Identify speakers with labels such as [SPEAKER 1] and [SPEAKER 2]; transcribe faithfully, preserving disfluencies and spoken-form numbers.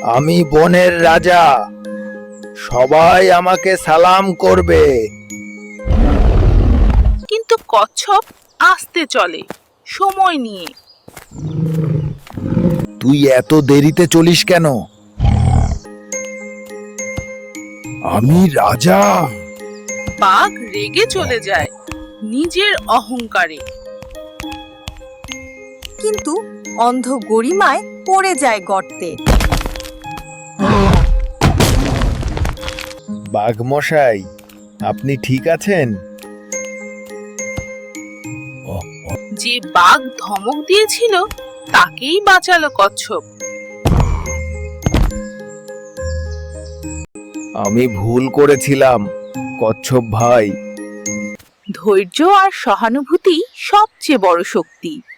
[SPEAKER 1] আমি বনের রাজা, সবাই আমাকে সালাম করবে।
[SPEAKER 2] কিন্তু কচ্ছপ আস্তে চলে, সময় নিয়ে।
[SPEAKER 1] তুই এত দেরিতে চলিস কেন? আমি রাজা।
[SPEAKER 2] বাঘ রেগে চলে যায় নিজের অহংকারে।
[SPEAKER 3] কিন্তু অন্ধ গরিমায় পড়ে যায় গর্তে।
[SPEAKER 1] বাঘ মশাই, আপনি ঠিক আছেন?
[SPEAKER 2] যে বাঘ ধমক দিয়েছিল তাকেই বাঁচালো কচ্ছপ।
[SPEAKER 1] আমি ভুল করেছিলাম কচ্ছপ ভাই।
[SPEAKER 2] ধৈর্য আর সহানুভূতি সবচেয়ে বড় শক্তি।